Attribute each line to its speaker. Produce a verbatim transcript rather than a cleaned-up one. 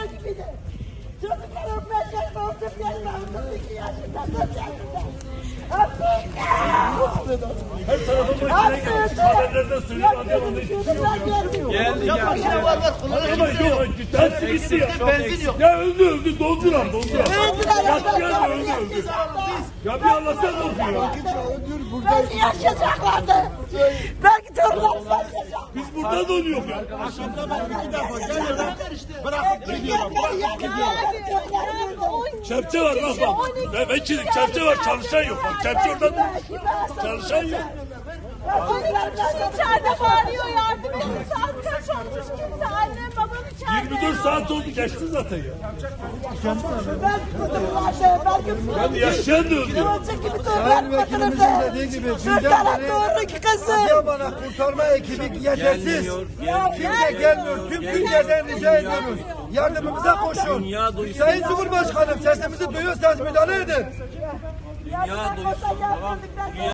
Speaker 1: gibiydi. Çocuklarım beş yaşında, otuz yaşında, otuz iki yaşında, dört yaşında.
Speaker 2: Her tarafın başına gelmiş. Haberlerden söylüyor. Adıyaman'da hiçbir şey yok.
Speaker 3: Geldi geldi.
Speaker 2: Ama yok. Hepsi bitti ya.
Speaker 3: Benzin yok.
Speaker 2: Ya öldü öldü. Doldular doldular.
Speaker 1: Öldüler,
Speaker 2: Yattı öldü öldü. Ya bir anlatsana oldu ya.
Speaker 1: belki yaşayacaklardı. Belki torunlarımız yaşayacak.
Speaker 2: Biz burada donuyoruz ya. Çepçe var bak bak. Ve vekilim çepçe var, çalışan yok. Bak çepçe orada durmuş. Çalışan yok.
Speaker 4: İçeride bağırıyor, yardım edin. Saat kaç olmuş, kimse annem babam içeride.
Speaker 2: yirmi dört saat oldu geçti zaten ya. Yani yaşayan da öldü.
Speaker 5: Sayın Vekilimizin dediği gibi günden beri Adıyaman'a kurtarma ekibi yetersiz. Kimse gelmiyor. Tüm Türkiye'den rica ediyoruz. Yardımımıza koşun. Sayın Cumhurbaşkanım sesimizi duyuyorsanız müdahale edin.
Speaker 4: Dünya duysun.